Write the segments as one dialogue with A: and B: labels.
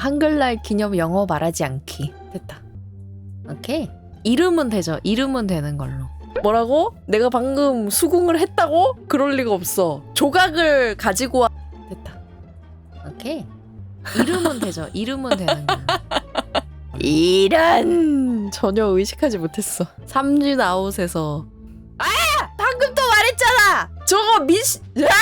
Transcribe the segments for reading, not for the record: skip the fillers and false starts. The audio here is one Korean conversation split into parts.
A: 한글날 기념 영어 말하지 않기. 됐다. 오케이. 이름은 되죠. 이름은 되는 걸로. 뭐라고? 내가 방금 수긍을 했다고? 그럴 리가 없어. 조각을 가지고 와. 됐다. 오케이. 이름은 되죠. 이름은 되는 걸로. 이런 전혀 의식하지 못했어. 삼진 아웃에서 방금 또 말했잖아. 저거 미시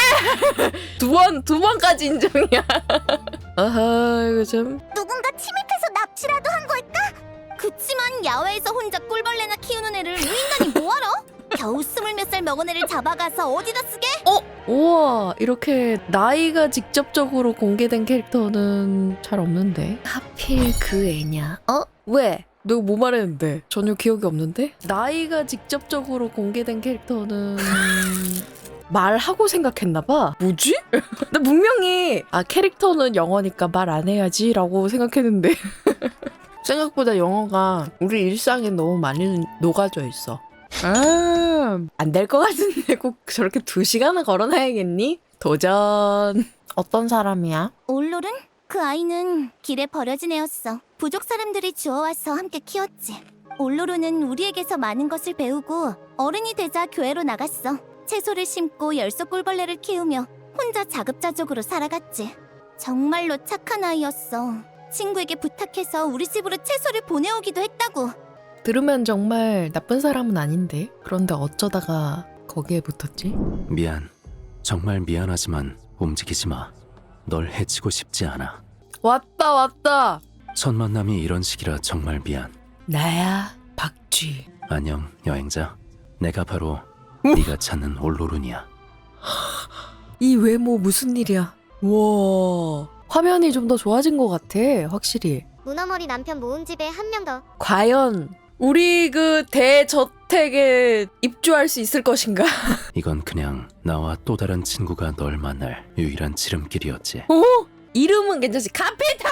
A: 두 번까지 인정이야. 아하 이거 좀
B: 누군가 침입해서 납치라도 한 걸까? 그치만 야외에서 혼자 꿀벌레나 키우는 애를 유인간이 뭐하러? 겨우 20몇 살 먹은 애를 잡아가서 어디다 쓰게?
A: 우와 이렇게 나이가 직접적으로 공개된 캐릭터는 잘 없는데 하필 그 애냐? 왜? 내가 뭐 말했는데? 전혀 기억이 없는데? 나이가 직접적으로 공개된 캐릭터는 말하고 생각했나봐. 뭐지? 나 분명히 캐릭터는 영어니까 말 안 해야지 라고 생각했는데 생각보다 영어가 우리 일상에 너무 많이 녹아져 있어. 안 될 것 같은데 꼭 저렇게 2시간을 걸어놔야겠니? 도전. 어떤 사람이야?
B: 올롤은? 그 아이는 길에 버려진 애였어. 부족 사람들이 주워와서 함께 키웠지. 올로로는 우리에게서 많은 것을 배우고 어른이 되자 교회로 나갔어. 채소를 심고 열소 꿀벌레를 키우며 혼자 자급자족으로 살아갔지. 정말로 착한 아이였어. 친구에게 부탁해서 우리 집으로 채소를 보내오기도 했다고.
A: 들으면 정말 나쁜 사람은 아닌데 그런데 어쩌다가 거기에 붙었지?
C: 미안. 정말 미안하지만 움직이지 마. 널 해치고 싶지 않아.
A: 왔다.
C: 첫 만남이 이런 식이라 정말 미안.
A: 나야 박쥐.
C: 안녕 여행자. 내가 바로 네가 찾는 올로룬이야.
A: 이 외모 무슨 일이야? 와 화면이 좀 더 좋아진 것 같아 확실히.
D: 문어머리 남편 모은 집에 한 명 더.
A: 과연 우리 그 대저택에 입주할 수 있을 것인가?
C: 이건 그냥 나와 또 다른 친구가 널 만날 유일한 지름길이었지.
A: 이름은 괜찮지. 카피탈.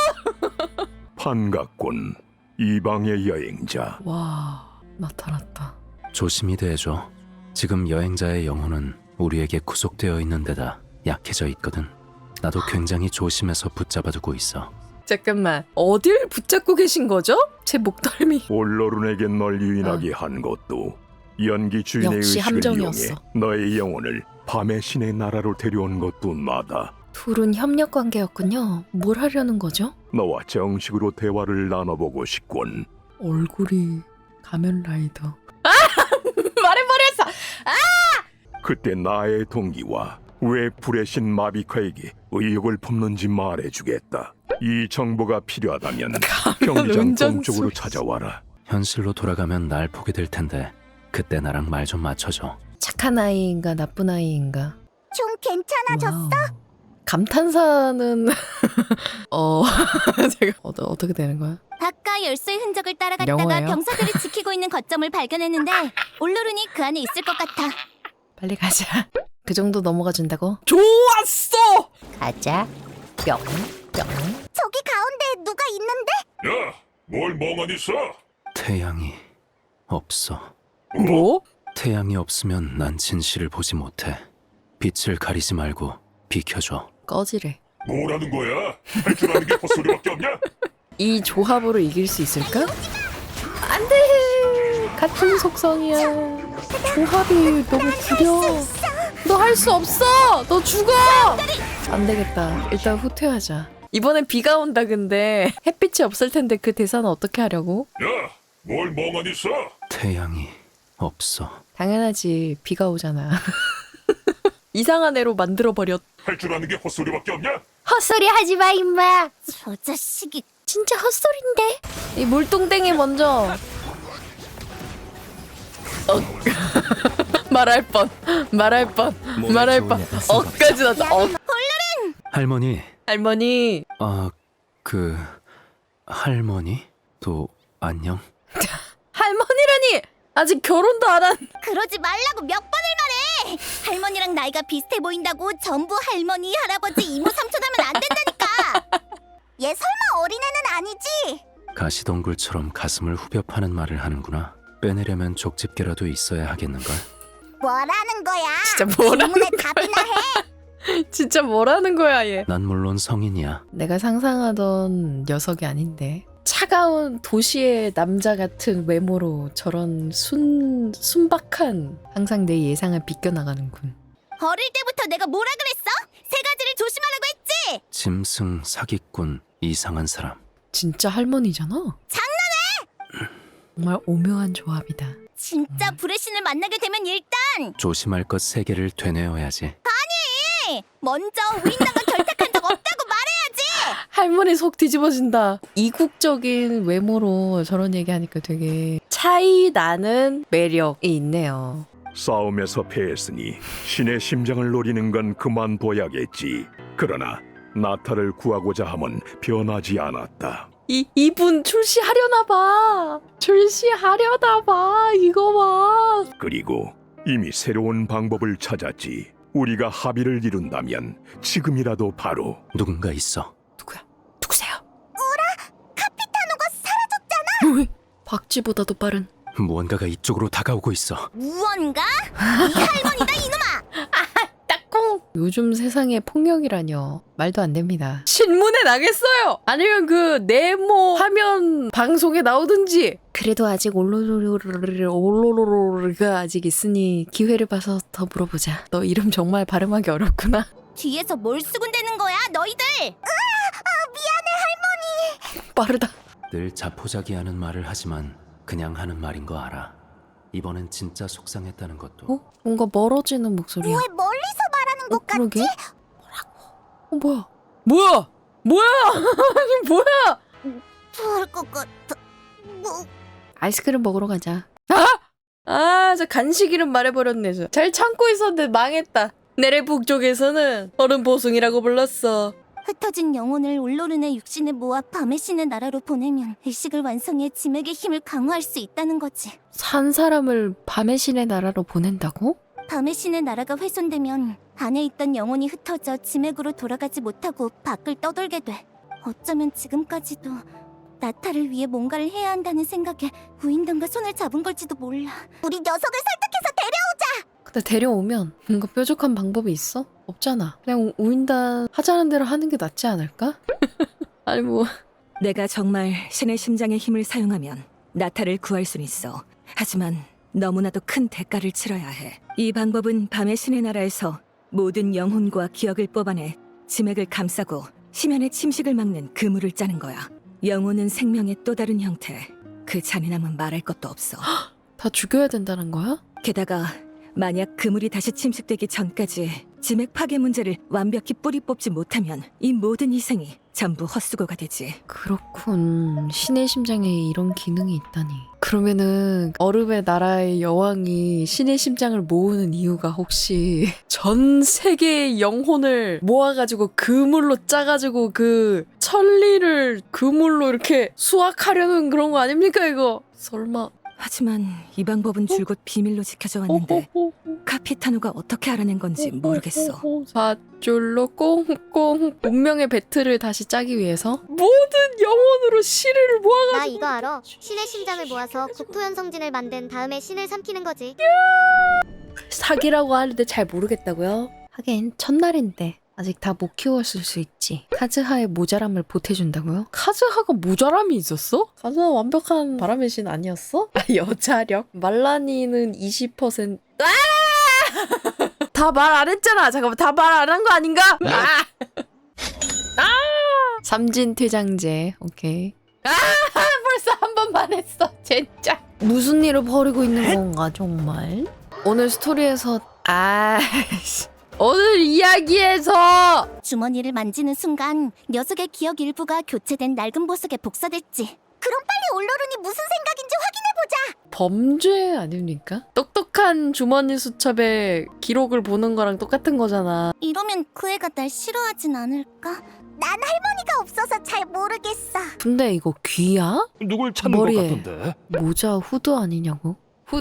E: 반갑군. 이방의 여행자.
A: 와 나타났다.
C: 조심히 대해줘. 지금 여행자의 영혼은 우리에게 구속되어 있는 데다 약해져 있거든. 나도 굉장히 조심해서 붙잡아두고 있어.
A: 잠깐만 어딜 붙잡고 계신 거죠? 제 목덜미.
E: 올로룬에게 널 유인하게 한 것도 연기 주인의
A: 역시
E: 의식을
A: 함정이었어.
E: 이용해 너의 영혼을 밤의 신의 나라로 데려온 것도 나다.
A: 둘은 협력 관계였군요. 뭘 하려는 거죠?
E: 너와 정식으로 대화를 나눠보고 싶군.
A: 얼굴이 가면라이더. 말해버렸어.
E: 그때 나의 동기와 왜 불의 신 마비카에게 의혹을 품는지 말해주겠다. 이 정보가 필요하다면 경기장
A: 운전수.
E: 동쪽으로 찾아와라.
C: 현실로 돌아가면 날 보게 될 텐데 그때 나랑 말 좀 맞춰줘.
A: 착한 아이인가 나쁜 아이인가?
B: 좀 괜찮아졌어?
A: 와우. 감탄사는 제가 어떻게 되는 거야?
B: 바깥 열쇠의 흔적을 따라갔다가
A: 영어예요?
B: 병사들이 지키고 있는 거점을 발견했는데 올로룬이 그 안에 있을 것 같아.
A: 빨리 가자. 그 정도 넘어가 준다고? 좋았어. 가자. 뿅.
B: 저기 가운데 누가 있는데?
E: 야, 뭘 멍하니 써?
C: 태양이 없어.
A: 뭐?
C: 태양이 없으면 난 진실을 보지 못해. 빛을 가리지 말고 비켜줘.
A: 꺼지래.
E: 뭐라는 거야? 할 줄 아는 게 헛소리밖에 없냐?
A: 이 조합으로 이길 수 있을까? 안 돼! 같은 속성이야. 조합이 너무 구려. 너 할 수 없어! 너 죽어! 안 되겠다. 일단 후퇴하자. 이번엔 비가 온다 근데 햇빛이 없을 텐데 그 대사는 어떻게 하려고?
E: 야, 뭘 멍하니 써?
C: 태양이 없어.
A: 당연하지. 비가 오잖아. 이상한 애로 만들어버렸.
E: 할 줄 아는 게 헛소리밖에 없냐?
A: 헛소리 하지 마 임마.
B: 저 자식이
A: 진짜 헛소린데. 이 물뚱땡이 먼저. 말할 뻔. 어까지 나다.
C: 할머니.
A: 할머니.
C: 그 할머니도 안녕.
A: 할머니라니. 아직 결혼도 안 한.
B: 그러지 말라고 몇 번을 말해. 할머니랑 나이가 비슷해 보인다고 전부 할머니, 할아버지, 이모, 삼촌 하면 안 된다니까. 얘 설마 어린애는 아니지?
C: 가시덩굴처럼 가슴을 후벼 파는 말을 하는구나. 빼내려면 족집게라도 있어야 하겠는걸.
B: 뭐라는 거야?
A: 진짜 뭐라는
B: 질문에 답이나 해.
A: 진짜 뭐라는 거야 얘.
C: 난 물론 성인이야.
A: 내가 상상하던 녀석이 아닌데. 차가운 도시의 남자 같은 외모로 저런 순박한 항상 내 예상을 비껴나가는군.
B: 어릴 때부터 내가 뭐라 그랬어? 세 가지를 조심하라고 했지.
C: 짐승, 사기꾼, 이상한 사람.
A: 진짜 할머니잖아. 장난해! 정말 오묘한 조합이다.
B: 진짜 불의 신을 만나게 되면 일단
C: 조심할 것 3개를 되뇌어야지.
B: 먼저 우인당과 결탁한 적 없다고 말해야지.
A: 할머니 속 뒤집어진다. 이국적인 외모로 저런 얘기하니까 되게 차이 나는 매력이 있네요.
E: 싸움에서 패했으니 신의 심장을 노리는 건 그만둬야겠지. 그러나 나타를 구하고자 함은 변하지 않았다.
A: 이분 출시하려나 봐. 출시하려나 봐. 이거 봐.
E: 그리고 이미 새로운 방법을 찾았지. 우리가 합의를 이룬다면 지금이라도 바로
C: 누군가 있어.
A: 누구야? 누구세요? 카피타노가 사라졌잖아. 박쥐보다도 빠른.
C: 무언가가 이쪽으로 다가오고 있어.
B: 무언가? 이 할머니다 이놈아.
A: 딱콩. 요즘 세상에 폭력이라뇨. 말도 안 됩니다. 신문에 나겠어요. 아니면 그 네모 화면 방송에 나오든지. 그래도 아직 올로로로가 아직 있으니 기회를 봐서 더 물어보자. 너 이름 정말 발음하기 어렵구나.
B: 뒤에서 뭘 수군대는 거야 너희들.
A: 빠르다.
C: 늘 자포자기하는 말을 하지만 그냥 하는 말인 거 알아. 이번엔 진짜 속상했다는 것도.
A: 어? 뭔가 멀어지는 목소리야.
B: 왜 멀리서 말하는 것
A: 그러게? 뭐라고? 뭐야? 뭐야? 아니 뭐야?
B: 같을 것 같아. 뭐
A: 아이스크림 먹으러 가자. 저 간식 이름 말해버렸네. 잘 참고 있었는데 망했다. 내래 북쪽에서는 얼음 보숭이라고 불렀어.
B: 흩어진 영혼을 올로른의 육신에 모아 밤의 신의 나라로 보내면 의식을 완성해 지맥의 힘을 강화할 수 있다는 거지.
A: 산 사람을 밤의 신의 나라로 보낸다고?
B: 밤의 신의 나라가 훼손되면 안에 있던 영혼이 흩어져 지맥으로 돌아가지 못하고 밖을 떠돌게 돼. 어쩌면 지금까지도 나타를 위해 뭔가를 해야 한다는 생각에 우인단과 손을 잡은 걸지도 몰라. 우리 녀석을 설득해서 데려오자!
A: 근데 데려오면 뭔가 뾰족한 방법이 있어? 없잖아. 그냥 우인단 하자는 대로 하는 게 낫지 않을까? 아니 뭐
F: 내가 정말 신의 심장의 힘을 사용하면 나타를 구할 순 있어. 하지만 너무나도 큰 대가를 치러야 해. 이 방법은 밤의 신의 나라에서 모든 영혼과 기억을 뽑아내 지맥을 감싸고 심연의 침식을 막는 그물을 짜는 거야. 영혼은 생명의 또 다른 형태. 그 잔인함은 말할 것도 없어.
A: 다 죽여야 된다는 거야?
F: 게다가 만약 그물이 다시 침식되기 전까지 지맥 파괴 문제를 완벽히 뿌리 뽑지 못하면 이 모든 희생이 전부 헛수고가 되지.
A: 그렇군. 신의 심장에 이런 기능이 있다니. 그러면은 얼음의 나라의 여왕이 신의 심장을 모으는 이유가 혹시 전 세계의 영혼을 모아가지고 그물로 짜가지고 그 천리를 그물로 이렇게 수확하려는 그런 거 아닙니까 이거? 설마.
F: 하지만 이 방법은 줄곧 비밀로 지켜져 왔는데 카피타노가 어떻게 알아낸 건지 모르겠어.
A: 밧줄로 꽁꽁 운명의 배틀을 다시 짜기 위해서 모든 영혼으로 신을 모아가지고
D: 나 이거 알아. 신의 심장을 모아서 국토연 성진을 만든 다음에 신을 삼키는 거지.
A: 사기라고 하는데 잘 모르겠다고요? 하긴 첫날인데 아직 다 못 키웠을 수 있지. 카즈하의 모자람을 보태준다고요? 카즈하가 모자람이 있었어? 카즈하 완벽한 바람의 신 아니었어? 여자력? 말라니는 20%. 다 말 안 했잖아. 잠깐만, 다 말 안 한 거 아닌가? 삼진퇴장제. 오케이. 벌써 한 번만 했어. 진짜. 무슨 일을 벌이고 있는 건가 정말? 오늘 스토리에서 오늘 이야기에서
B: 주머니를 만지는 순간 녀석의 기억 일부가 교체된 낡은 보석에 복사됐지. 그럼 빨리 올로른이 무슨 생각인지 확인해보자.
A: 범죄 아닙니까? 똑똑한 주머니 수첩에 기록을 보는 거랑 똑같은 거잖아.
B: 이러면 그 애가 날 싫어하진 않을까? 난 할머니가 없어서 잘 모르겠어.
A: 근데 이거 귀야?
E: 누굴 찾는
A: 머리에.
E: 것 같던데?
A: 모자 후드 아니냐고?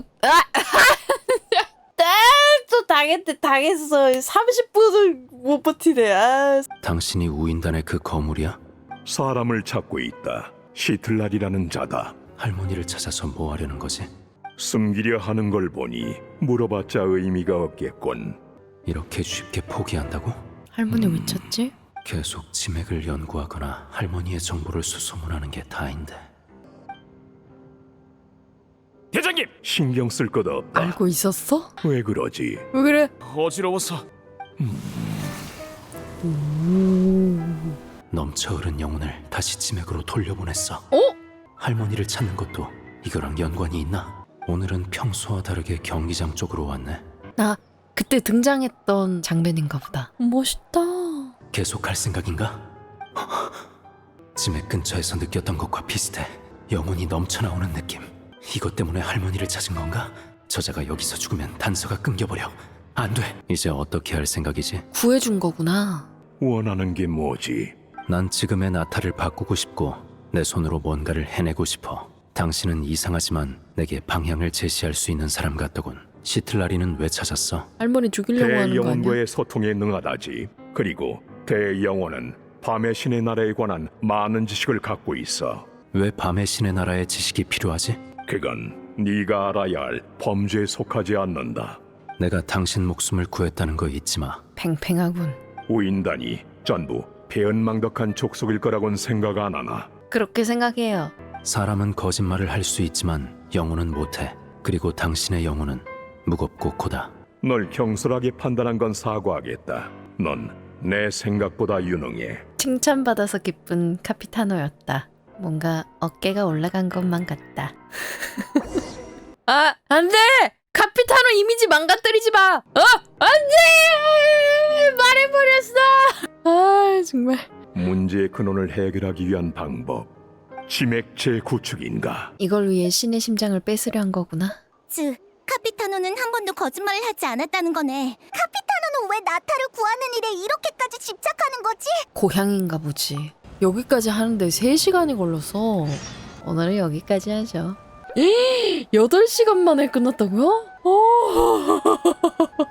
A: 또 당했어. 30분을 못 버티네.
C: 당신이 우인단의 그 거물이야?
E: 사람을 찾고 있다. 시틀날이라는 자다.
C: 할머니를 찾아서 뭐 하려는 거지?
E: 숨기려 하는 걸 보니 물어봤자 의미가 없겠군.
C: 이렇게 쉽게 포기한다고?
A: 할머니 왜 찾지?
C: 계속 치맥을 연구하거나 할머니의 정보를 수소문하는 게 다인데.
G: 대장님!
E: 신경 쓸 것 없다.
A: 알고 있었어?
E: 왜 그러지?
A: 왜 그래?
G: 어지러워서.
C: 넘쳐 흐른 영혼을 다시 치맥으로 돌려보냈어.
A: 어?
C: 할머니를 찾는 것도 이거랑 연관이 있나? 오늘은 평소와 다르게 경기장 쪽으로 왔네.
A: 나 그때 등장했던 장면인가 보다. 멋있다.
C: 계속 갈 생각인가? 치맥 근처에서 느꼈던 것과 비슷해. 영혼이 넘쳐나오는 느낌. 이것 때문에 할머니를 찾은 건가? 저자가 여기서 죽으면 단서가 끊겨버려. 안 돼. 이제 어떻게 할 생각이지?
A: 구해준 거구나.
E: 원하는 게 뭐지?
C: 난 지금의 나타를 바꾸고 싶고 내 손으로 뭔가를 해내고 싶어. 당신은 이상하지만 내게 방향을 제시할 수 있는 사람 같더군. 시틀라리는 왜 찾았어?
A: 할머니 죽이려고 하는 거 아니야?
E: 대영혼과의 소통에 능하다지. 그리고 대영혼은 밤의 신의 나라에 관한 많은 지식을 갖고 있어.
C: 왜 밤의 신의 나라의 지식이 필요하지?
E: 그건 네가 알아야 할 범죄에 속하지 않는다.
C: 내가 당신 목숨을 구했다는 거 잊지 마.
A: 팽팽하군.
E: 우인단이 전부 배은망덕한 족속일 거라고는 생각 안 하나?
A: 그렇게 생각해요.
C: 사람은 거짓말을 할 수 있지만 영혼은 못해. 그리고 당신의 영혼은 무겁고 고다.
E: 널 경솔하게 판단한 건 사과하겠다. 넌 내 생각보다 유능해.
A: 칭찬받아서 기쁜 카피타노였다. 뭔가 어깨가 올라간 것만 같다. 아, 안 돼! 카피타노 이미지 망가뜨리지 마! 안 돼! 말해버렸어! 아, 정말.
E: 문제의 근원을 해결하기 위한 방법. 치맥 재구축인가?
A: 이걸 위해 신의 심장을 뺏으려 한 거구나.
B: 즉, 카피타노는 한 번도 거짓말을 하지 않았다는 거네. 카피타노는 왜 나타를 구하는 일에 이렇게까지 집착하는 거지?
A: 고향인가 보지. 여기까지 하는데 3시간이 걸려서 오늘은 여기까지 하죠. 8시간 만에 끝났다고요? 오.